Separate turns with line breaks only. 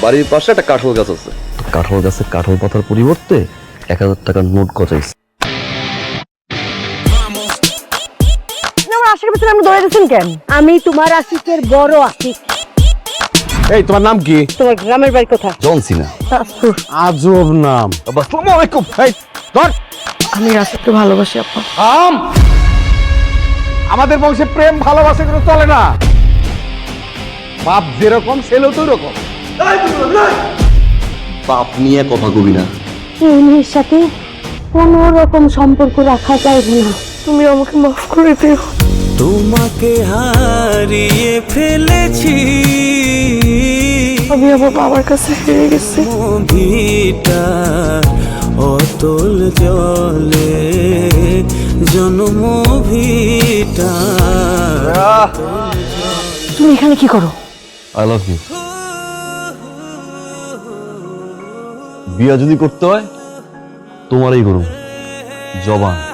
বাড়ির পাশে একটা কাঁঠাল গাছ আছে, কাঁঠাল গাছে কাঁঠাল পাতার পরিবর্তে 1000 টাকার নোট গজাইছে।
আশিকের পিছনে আপনি দৌড়াইতেছেন কেন? আমি তোমার আশিকের বড় আশিক।
এই তোমার নাম কি?
তোমার গ্রামের বাড়ি কোথায়?
জনসি না।
আজব নাম। আসসালামু আলাইকুম। এই ধর।
আমি আশিককে ভালোবাসি আপা।
থাম। আমাদের বংশে প্রেম ভালোবাসা কোনো চলে না। বাপ যেরকম ছেলেও তো ওরকম।
বাপ নিয়ে কথা কবি না।
এই মেয়ের সাথে কোনো রকম সম্পর্ক রাখা যায় না। তুমি আমাকে মাফ করে দিও।
তোমাকে হারিয়ে ফেলেছি,
আমি আমার বাবার কাছে হেরে গেছি।
ভিটা অতল জলে জন্ম ভিটা।
তুমি এখানে কি করো?
I love you. বিয়া যদি করতে হয় তোমারই করুন, জবান।